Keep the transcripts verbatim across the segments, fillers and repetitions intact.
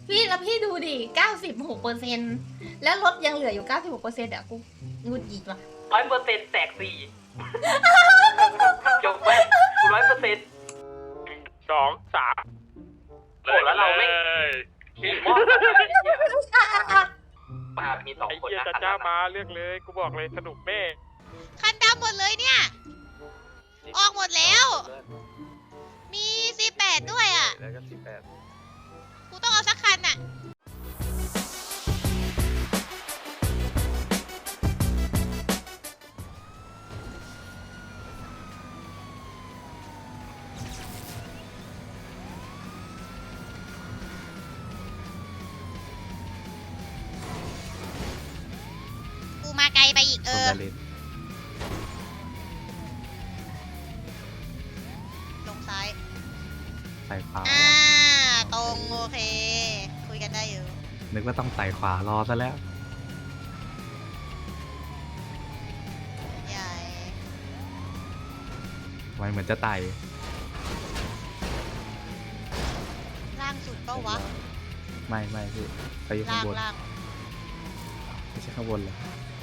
พี่แล้วพี่ดูดิเก้าสิบหกเปอร์เซ็นต์แล้วรถยังเหลืออยู่เก้าสิบหกเปอร์เซ็นต์อ่ะกูงุดหงิดว่ะร้อยเปอร์เซ็นต์แตกสี่จบไปร้อยเปอร์เซ็นต์สองสามโหแล้วเราไม่ขี่มอเตอร์ไซค์มามีสองไอ้คนเหี้ยนะจ้าจ้ามาเลือกเลยกูบอกเลยสนุกแม่คันดำหมดเลยเนี่ย ออกหมดแล้ว มีซีแปดด้วยอ่ะแล้วก็สิบแปดกูต้องเอาสักคันอ่ะ กูมาไกลไปอีกเออ ลงซ้ายไต่ขวาอ่า ตรง โอเค คุยกันได้อยู่นึกว่าต้องไต่ขวารอซะแล้วใหญ่ทำไมเหมือนจะไต่ล่างสุดก็วะไม่ไม่พี่ไปอยู่ข้างล่างบนล่างไม่ใช่ข้างบนเลย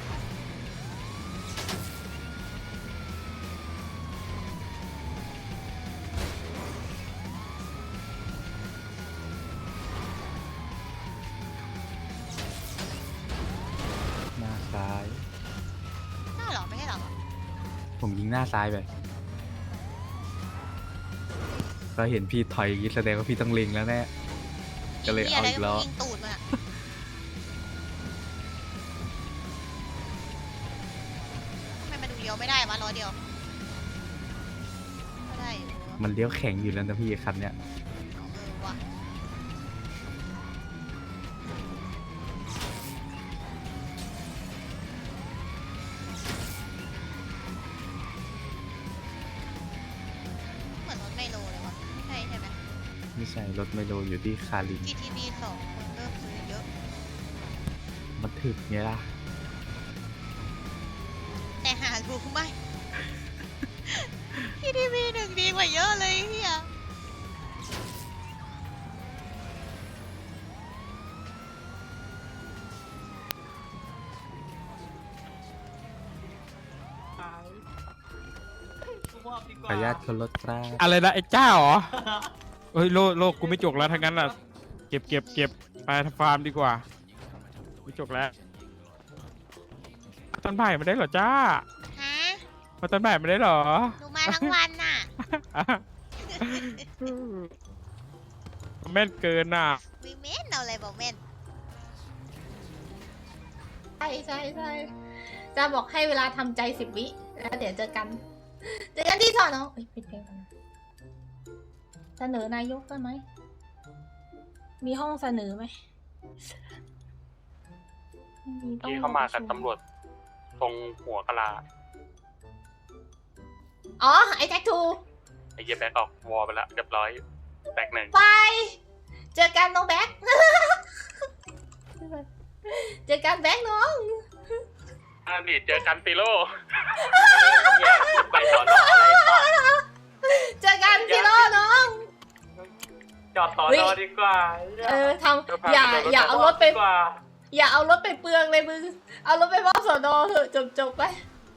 หน้าซ้ายหน้าเหรอ ไม่ใช่เหรอผมยิงหน้าซ้ายไปก็เห็นพี่ถอยอย่างนี้แสดงว่าพี่ต้องเล็งแล้วแน่ ก็เลยเอาอีกแล้วยิงตูดมันอะทำไมมาดูเดียวไม่ได้วะร้อยเดียวก็ได้อยู่มันเลี้ยวแข็งอยู่แล้วนะพี่คันเนี้ยเออว่ะเหมือนรถไมโลเลยวะไม่ใช่ใช่ไหมไม่ใช่รถไมโลอยู่ที่คารินจี ที บี สองคนเริ่มซื้อเยอะมันถึกไงล่ะแต่หารู้ไหม จี ที บี หนึ่งดีกว่าเยอะเลยเฮียขออนุญาตคนรถกล้าอะไรนะไอ้เจ้าเหรอเฮ้ยโลโลกกูไม่จกแล้วทั้งนั้นอ่ะเก็บเก็บเก็บไปทำฟาร์มดีกว่าไม่จกแล้วต้นไผ่ไม่ได้เหรอจ้าฮะมาต้นไผ่ไม่ได้เหรอหนูมาทั้งวันน่ะแม่นเกินน่ะวิเมนเอาอะไรบอกเมนใช่ใช่ใช่จะบอกให้เวลาทำใจสิบวิแล้วเดี๋ยวเจอกันเจอกันที่สอนอเอ้ยปิดเพลงก่อนนะเสนอนายกได้ไหมมีห้องเสนอไหมไม่มีต้องที่เข้ามากับตำรวจตรงหัวกะลาอ๋อไอ้แท็กทูไอ้เหี้ยแบ็คออกวอลไปแล้วเรียบร้อยแตกหนึ่งไปเจอกันน้องแบ็ค เจอกันแบ็คน้องอ่านี่เจอกันติโร่เนี่ยไปสอนออะไรต่อเจอกันซิโร่น้องจอดต่อนอดีกว่าเออทำอย่าอย่าเอารถไปดีกว่าอย่าเอารถไปเปลืองเลยมึงเอารถไปมอบสอนอเถอะจบจบไป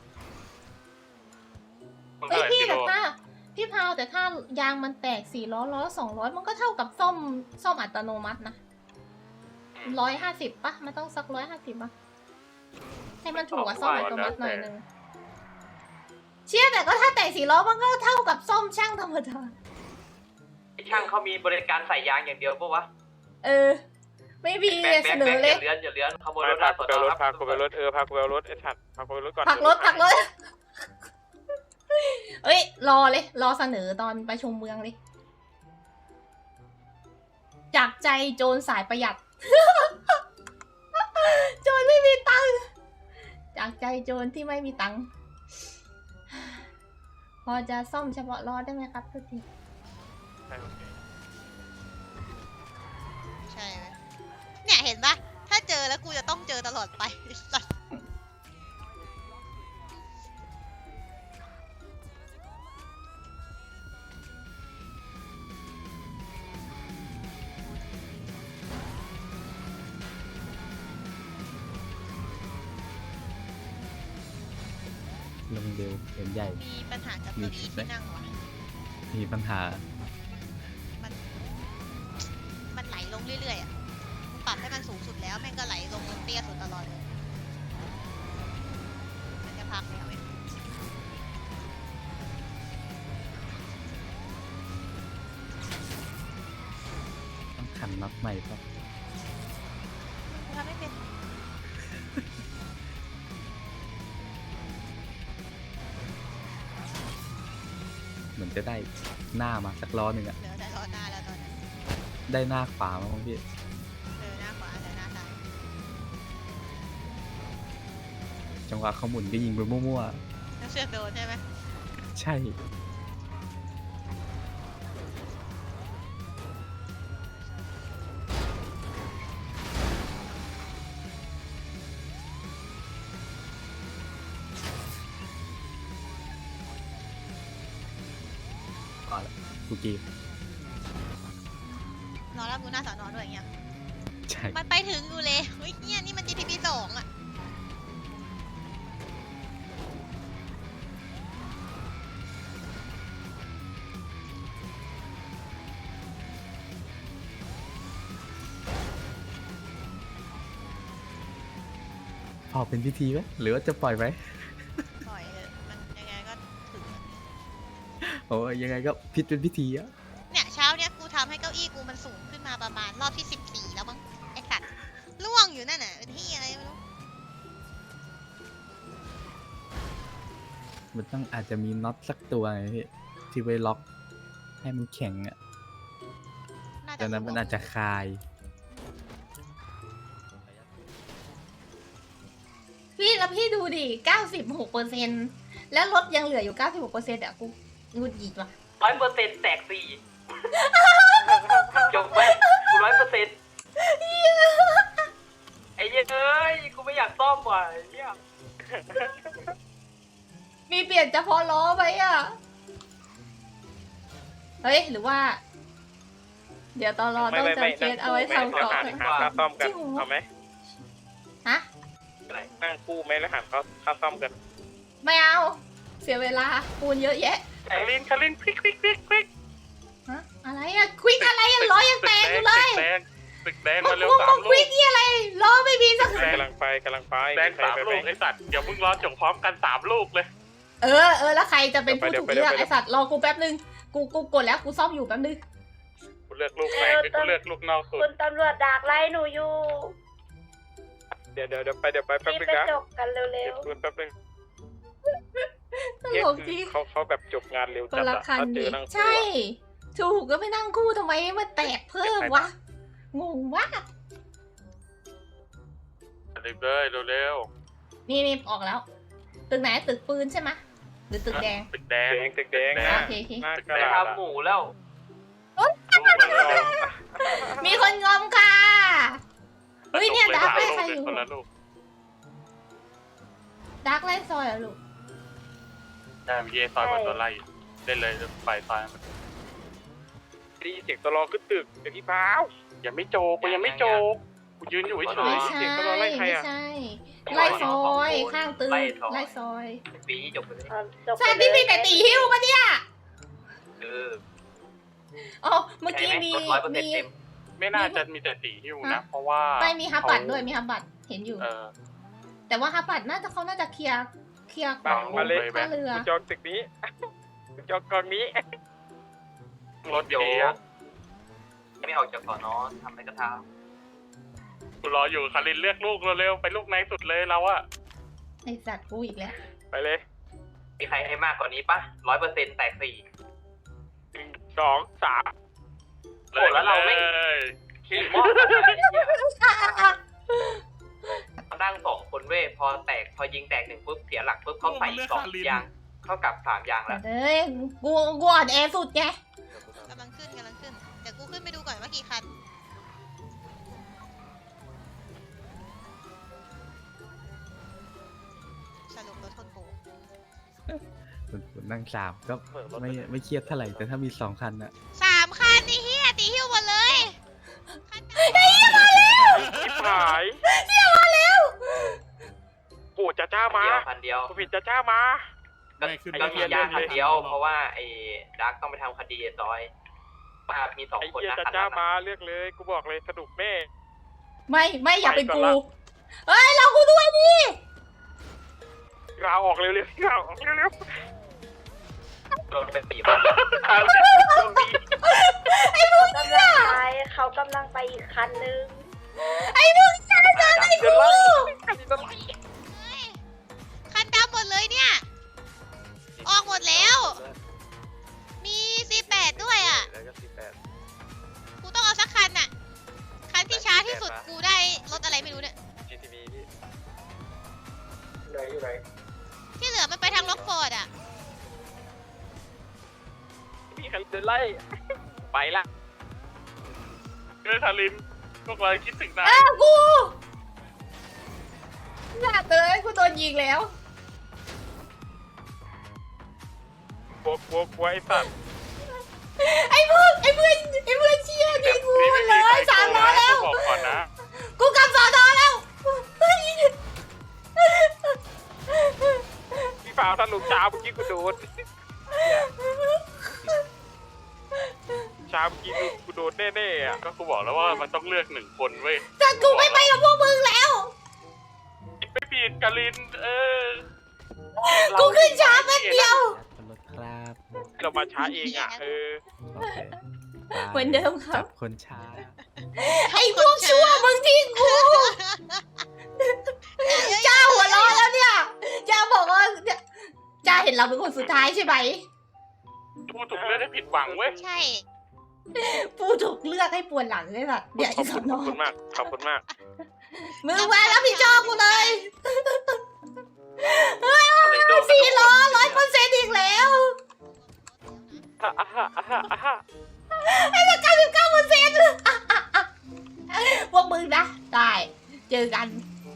เฮ้ยพี่แต่ถ้าพี่พาวแต่ถ้ายางมันแตกสี่ล้อล้อสองร้อยมันก็เท่ากับซ่อมซ่อมอัตโนมัตินะร้อยห้าสิบปะมันต้องสักร้อยห้าสิบปะให้มันถูกกว่าซ่อมอัตโนมัติหน่อยนึงเชื่อแต่ก็ถ้าแตกสี่ล้อมันก็เท่ากับซ่อมช่างธรรมดาช่างเขามีบริการใส่ยางอย่างเดียวปะวะเออ ไม่มีแบ็คเสแบ็คนอแบ็คเลอย ย่าเลื้อนอย่าเลื้อนขโมยรถพาได้กูสอนไปอรถครับพากูไปรถเออพากูไปรถไอ้สัตว์พากูไปรถก่อนพักรถพักรถเอ้ยรอเลย รอเสนอตอนประชุมเมืองเลย จากใจโจรสายประหยัด โจรไม่มีตังค์จากใจโจรที่ไม่มีตังค์พอจะซ่อมเฉพาะล้อได้ไหมครับทุกทีใช่ไหมเนี่ยเห็นปะถ้าเจอแล้วกูจะต้องเจอตลอดไปสัตว์ลงเร็วเห็นใหญ่มีปัญหากับเก้าอี้ที่นั่งวะมีปัญหามัน มันไหลลงเรื่อยๆอ่ะมึงปรับให้มันสูงสุดแล้วแม่งก็ไหลลงเตี้ยสุดตลอดเลยมันจะพักแล้วเว้ยต้องขันน็อตใหม่ป่ะกูทำไม่เป็นเหมือนจะได้หน้ามาสักล้อหนึ่งอะเหลือแต่ล้อหน้าแล้วตอนนั้นได้หน้าขวามาบ้างพี่เออหน้าขวาแต่หน้าซ้ายจังหวะเขาหมุนก็ยิงไปมั่วแล้วเชือกโดนใช่ไหมๆ ใช่ ก่อนละกูกีบรอรับดูหน้าสอนอด้วยอย่างเงี้ยใช่มันไปถึงอยู่เลยเฮ้ยเนี่ยนี่มัน จี ที พี สองอ่ะพอเป็นพิธีไหมหรือว่าจะปล่อยไหมปล่อยเถอะมันยังไงก็ถึงอะโอ้ยยังไงก็พิษเป็นพิธีอะเนี่ยเช้าเนี่ยกูทำให้เก้าอี้กูมันสูงขึ้นมาประมาณรอบที่สิบสี่แล้วมั้งไอ้สัตว์ล่วงอยู่นั่นน่ะเป็นที่อะไรไม่รู้มันต้องอาจจะมีน็อตสักตัวไงพี่ที่ไว้ล็อก ให้มันแข็งอะน่าจะดังนั้นมันอาจจะคลายพี่แล้วพี่ดูดิเก้าสิบหกเปอร์เซ็นต์แล้วรถยังเหลืออยู่เก้าสิบหกเปอร์เซ็นต์อ่ะกูงุดหงิดว่ะร้อยเปอร์เซ็นต์แตกสี่จบไปกูร้อยเปอร์เซ็นต์ไอ้เหี้ยเอ้ยกูไม่อยากซ่อมว่ะไอ้เหี้ยมีเปลี่ยนเฉพาะล้อไหมอ่ะ เฮ้ย หรือว่า เดี๋ยวตอนรอต้องจำเคสเอาไว้ทำก่อนหาค่าซ่อมกันจริงเหรอเอาไหมฮะนั่งคู่ไหมแล้วหาค่าค่าซ่อมกันไม่เอา เสียเวลาปูนเยอะแยะคารินคารินควิกควิกควิกควิกฮะ อะไรอะควิกอะไรอะล้อยังแตกอยู่เลยตึกแดงตึกแดงมึมาง เร็วมึงสามึมงลูควิกกนี่อะไร ล้อไม่มีสักกำลังไปกำลังไปแดงสามลูกไอ้สัตว์เดี๋ยวมึงรอจบพร้อมกันสามลูกเลยเออเออแล้วใครจะเป็นผู้เดี๋ถูยวกไปเลือกเดี๋ยวไปไอสัตว์รอกูแป๊บนึง กูกูกดแล้วกูซ่อมอยู่แป๊บนึงกูเลือกลูกแรงกูเลือกลูกนอกสุดคุณตำรวจดักไล่หนูอยู่เดี๋ยวเดี๋ยวเดี๋ยวไปเดี๋ยวไปแป๊บรีบนึงไปนะจบกันเร็เก็วบปืนแป๊บนึงตลกจริงเขาเขาแบบจบงานเร็วคจันดละอะคันถ้าเจดิอนั่งคู่ใช่อะถูกก็ไม่นั่งคู่ทำไมมันแตกเพิ่มวะ งงมากเร็วเลยเร็วนี่นี่ออกแล้ว ตึกไหนตึกปืนใช่ไหมหรือตึกแดงๆตึกแดงตึกแดงอ่ะโอเคโอเคหน้ากได้ระดาษทำหมูแล้วมีคนงอมค่ะเฮ้ยเนี่ยดักไล่ใครอยู่คนละลูกดักไล่ซอยเหรอลูกได้เมื่อกี้ซอยมันตัวไล่เล่นเลยไปซอยมันดีเสียงตลอขึ้นตึกเดี๋ยวพี่พาวยังไม่โจกกูยังไม่โจกกูยืนอยู่เฉไม่ยๆใช่เสียงตลอไล่ใครไม่อ่ะใช่ ไล่ซอยข้างตึกไล่ซอยปีนี้จบไปเลยๆจบใช่พี่มีแต่ตีหิ้วปะเนี่ยเอออ๋อเมื่อกี้มีร้อยเปอร์เซ็นมีต์เต็มไม่น่าจะมีแต่ตีหิ้วนะ เพราะว่าไม่มีฮับบัตรด้วยมีฮับบัตรเห็นอยู่เออแต่ว่าฮับบัตรน่าจะเขาน่าจะเคลียร์เคลียร์ขบัอง งมาเลยท่าเรือจองตึกนี้จองกองนี้รถเดี๋ยวเกียร์ไม่ออกจากสอนอทำอะไรก็ทกูรออยู่คารินเลือกลูกเร็วๆไปลูกไหนสุดเลยเราอะไอสัตว์กูอีกแล้วไปเลยำมีใครให้มากกว่านี้ปะร้อยเปอร์เซ็นต์แตกสี่หนึ่งสองสามโอ้แล้วเราไม่เลยขี่มอเตอร์ไซค์มานั่งสองคนเว้ยพอแตกพอยิงแตกหนึ่งปุ๊บเสียหลักปุ๊บเขาใส่อีกสองยางเข้ากับสามยางแล้วเอ้ยกูกูอ่อนแอสุดไงกำลังขึ้นกำลังขึ้นเดี๋ยวกูขึ้นไปดูก่อนว่ากี่คันสรุปรถชนกูผมนั่งสามก็ไม่ไม่เครียดเท่าไหร่ แต่ถ้ามีสองคันอะสามคันนี่เฮียตีหิ้วหมดเลยคันไหนชิบหายเดี๋ยวมาแล้วโอ้จ้าจ้ามาเดียวพันเดียวกูผิดจ้าจ้ามาก็ไม่ขึ้นก็มีไม่ยาขึ้นคันเดียว เพราะว่าไอ้ดักต้องไปทำคดีร้อยว่ามีสองไอ้คนเหี้ยนะจ้าคันจ้านั้นมาน่ะเลือกเลยกูบอกเลยสนุกแน่ไม่ไม่อย่าเป็นไปก่กูอนละเฮ้ยเรากูด้วยดิลาออกเร็วๆลาออกเร็วโดนไปตีบ้านๆเอาสิโชคดีไอ้มึงกำลังไปเขากำลังไปอีกคันนึงไอ้มึงจะจะดักไอ้กูเฮ้ยคันดำหมดเลยเนี่ย ออกหมดแล้ว มี ซี แปด ด้วยอ่ะแล้วก็สิบแปดกูต้องเอาสักคันน่ะ คันที่ช้าที่สุดกูได้รถอะไรไม่รู้เนี่ยจี ที บี พี่ไหนอยู่ไหนที่เหลือมันไปทางล็อกฟอร์ดอ่ะพี่คันเดินไล่ไปละเออคารินพวกเราคิดถึงนาเอย อกูอยากเลยกูโดนยิงแล้วกลัวกลัวกลัวไอ้สัตว์ไอ้มึงไอ้เพื่อนไอ้เพื่อนเชี่ยยิงกูนี่หมไม่ดเลมีใครยสามล้อแล้วบอกก่อนนะกูกลับสอนอแล้วเฮ้ยพี่ฟ้าวถ้าลุงจ้าเมื่อกี้กูโดนช้าเมื่อกี้กูโดนแน่ๆอ่ะก็กูบอกแล้วว่ามันต้องเลือกหนึ่งคนเว้ยแต่กูไม่ไปกับพวกมึงแล้วไม่ผิดกาลินเออกูขึ้นช้าแป๊บเดียวขอรถครับเรามาช้าเองอ่ะเออโอเคไปเหมือนเดิมครัจับบคนช้าไอ้พวกชั่วมึงทิ้งกูจ้าหัวร้อนแล้วเนี่ยจ้าบอกว่าเนี่ยจ้าเห็นเราเป็นคนสุดท้ายใช่ไหมพูดถูกเลือกได้ผิดหวังเว้ยใช่ปูถูกเลือกให้ปวดหลังเลยแบบเดี๋ยวขไอ้อบสคุอณนขออบคุณมากขอบคุณมากมึงมาแล้วพี่จอบกูเลยอะไรโดนสี่ล้อร้อยเปอร์เซ็นต์อีกแล้วอ่ะอ่ะอ่ะอ่ะอ่ะไอ้ละเก้าสิบเก้าเปอร์เซ็นต์พวกมึงนะได้เจอกัน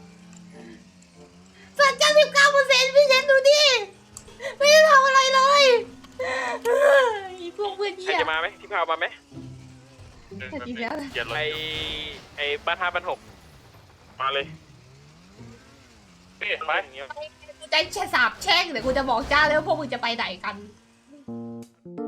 ส่วนเก้าสิบเก้าเปอร์เซ็นต์พี่เชนดูดิไม่ได้ทำอะไรเลยไอ้พวกเพื่อนใครเหี้ยจะมาไหมพี่พาวมาไหมแต่จริงแล้วนะเกียรติไอไอบ้านห้าบ้านหกมาเลยเปลี่ยนไปกูจะแช่สาบแช่งเดี๋ยวกูจะบอกจ้าเลยว่าพวกมึงจะไปไหนกันเ